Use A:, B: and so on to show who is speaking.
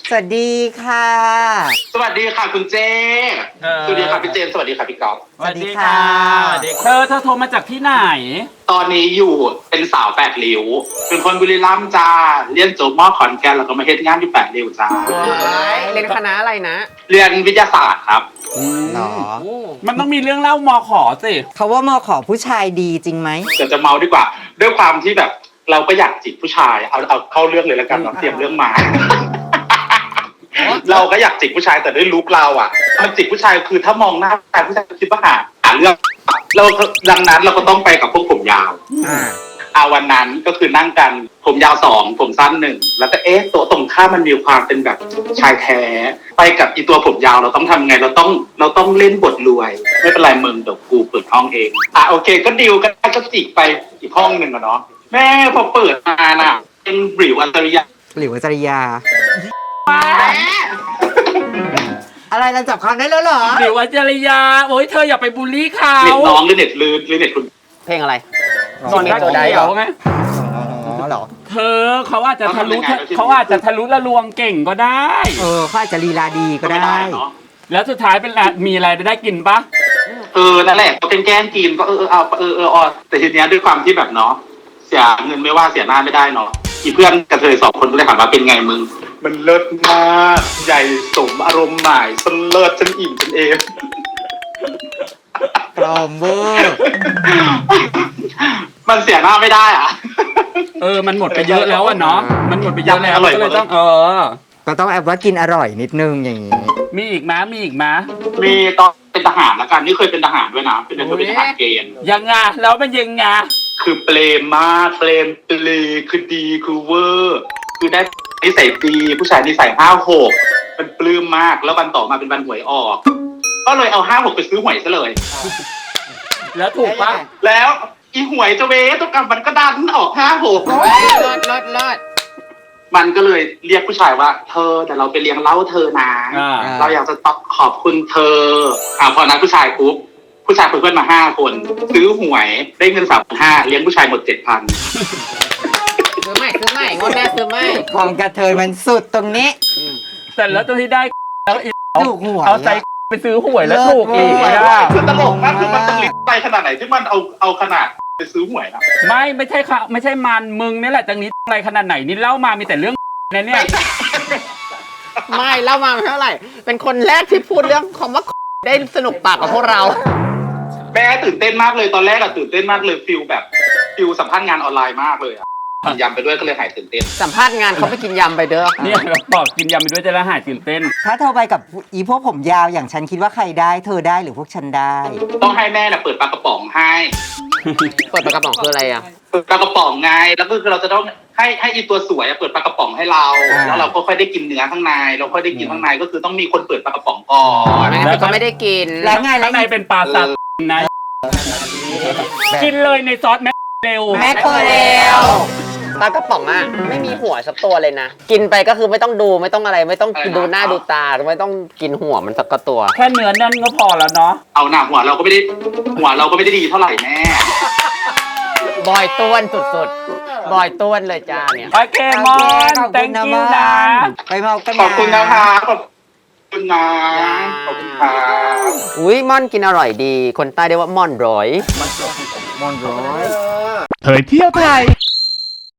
A: สวัสดีค่ะ
B: สวัสดีค่ะคุณเจสวัสดีค่ะพี่เจนสวัสดีค่ะพี่ก๊อฟ
A: สวัสดีค่ะ
C: เธอโทรมาจากที่ไหน
B: ตอนนี้อยู่เป็นสาว8 ริ้วเป็นคนบุรีรัมย์จ้าเรียนจบม.ขอนแก่นแล้วก็มาเฮ็ดงานที่8 ริ้วจ้า
D: เรียนคณะอะไรนะ
B: เรียนวิทยาศาสตร์ครับ
A: หรอ
C: มันต้องมีเรื่องเล่ามอขอสิ
A: เขาว่ามอขอผู้ชายดีจริงไหม
B: เดี๋ยวจะเมาดีกว่าด้วยความที่แบบเราก็อยากจีบผู้ชายเอาเข้าเรื่องเลยแล้วกันเราเตรียมเรื่องมา เราก็อยากจีบผู้ชายแต่ด้วยลุคเราอ่ะมันจีบผู้ชายคือถ้ามองหน้าผู้ชายคิดว่าหาเรื่องเราดังนั้นเราก็ต้องไปกับพวกผมยาววันนั้นก็คือนั่งกันผมยาว2ผมสั้น1แล้วก็ตัวตรงข้ามมันมีความเป็นแบบชายแท้ไปกับอีตัวผมยาวเราต้องทำไงเราต้องเล่นบทรวยไม่เป็นไรมึงเดี๋ยวกูเปิดห้องเองโอเคก็ดีลกันก็จิกไปอีกห้องหนึ่งอะเนาะแม่พอเปิดมาน่ะเป็นบริวอัจฉริยะ
A: อะไรเราจับความได้แล้วเหรอ
C: หรือว่าจริยาโอ้ยเธออย่าไปบูลลี่เขา
B: เน็ตน้องหรือเน็ตลืนหรือเน็ตคุณ
D: เพลงอะไร
C: นอนได้เขียวไง
A: อ๋อเหรอ
C: เธอเขาอาจจะทะลุละลวงเก่งก็ได้
A: เขาอาจจะลีลาดีก็ได้
C: แล้วสุดท้ายเป็นมีอะไรได้กินปะ
B: นั่นแหละก็เป็นแกล้งกินก็แต่ทีเนี้ยด้วยความที่แบบเนาะเสียเงินไม่ว่าเสียหน้าไม่ได้เนาะอีเพื่อนกระเทย2 คนก็เลยถามว่าเป็นไงมึงมันเลิศมากใหญ่สมอารมณ์หมายฉันเลิศฉันอิ่มฉันเอง
A: กลอมเวอร์
B: มันเสียหน้าไม่ได้
C: มันหมดไปเยอะแล้วเนาะมันหมดไปเยอะแล้วก็เลยต้อง
A: ก็ต้องแอบว่ากินอร่อยนิดนึงอย่างนี้
C: มีอีกไหม
B: มีตอนเป็นทหารแล้วกันนี่เคยเป็นทหารด้วยนะเป็นทหารเกณฑ์
C: ยังไงแล้วมันยังไง
B: คือเปรมมากเปรมคือดีคือเวอร์คือได้นิสัยดีผู้ชายนิสัย56มันปลื้มมากแล้ววันต่อมาเป็นวันหวยออกก็เลยเอา56ไปซื้อหวยซะเลย
C: แล้วถูกปะ
B: แล้วอีหวยจะเวตุกรรมมันก็ดันออก56
D: ลด
B: มันก็เลยเรียกผู้ชายว่าเธอแต่เราไปเลี้ยงเหล้าเธอนะเราอยากจะขอบคุณเธอพอนั้นผู้ชายปุ๊บผู้ชายเพื่อนมา5 คนซื้อหวยได้เงิน3,500เลี้ยงผู้ชายหมด 7,000
D: ซื้อใหม่งดแน่ซื้อใหม่
A: ของกระเทยมันสุดตรงนี้
C: แต่แล้วตัวที่ได้แล้ว
A: ถูกหวย
C: เอาใจไปซื้อหวยแล้วถูกอีก
B: คือตลกมากคือมันตลิดไปขนาดไหนที่มันเอาขนาดไปซื้อหวยนะ
C: ไม่ใช่ค่ะไม่ใช่มันมึงนี่แหละจังนี้อะไรขนาดไหนนี่เล่ามามีแต่เรื่องเนี่ย
D: ไม่เล่ามาเท่าไหร่เป็นคนแรกที่พูดเรื่องคำว่าได้สนุกปากกับพวกเรา
B: แม่ตื่นเต้นมากเลยตอนแรกตื่นเต้นมากเลยฟิลสัมภาษณ์งานออนไลน์มากเลยกินยำไปด้วยก็เลยหายตื่นเต้น
D: สัมภาษณ์งานเขาไปกินยำไปเด้อ
C: เนี่ยบอกกินยำไปด้วยจะละหายตื่นเต้น
A: ถ้าเธอไปกับอีพวกผมยาวอย่างฉันคิดว่าใครได้เธอได้หรือพวกฉันได้
B: ต้องให้แม่เปิดปลากระป๋องให้
D: เปิดปลากระป๋องคืออะไร
B: เปิดปลากระป๋องไงแล้วก็คือเราจะต้องให้อีตัวสวยเปิดปลากระป๋องให้เราแล้วเราก็ค่อยได้กินเนื้อข้างในเราค่อยได้กินข้างในก็คือต้องมีคนเปิดปลากระป๋องก่อน
D: แล้วก็ไม่ได้กิน
A: แล้วไง
C: ข้างในเป็นปลาซับนะกินเลยในซอสแมคเรล
D: ปลากระป๋องไม่มีหัวสักตัวเลยนะกินไปก็คือไม่ต้องดูไม่ต้องอะไรไม่ต้องดูหน้าดูตาไม่ต้องกินหัวมันสักตัว
C: แค่เนื้อนั่นก็พอแล้วเนาะ
B: เอาหน้าหัวเราก็ไม่ได้ดีเท่าไหร่แม่
D: บอยต้วนสุดๆบอยต้วนเลยจ้าเนี่ย
C: โอเคมอน thank you นะ
A: ไปเมากัน
B: ขอบคุณนะคะขอบคุณนะขอบคุณค่ะ
D: อุ้ยม่อนกินอร่อยดีคนใต้เรียกว่าม่อนร้อย
A: ม่อนร้อย
C: เผยเที่ยวไทย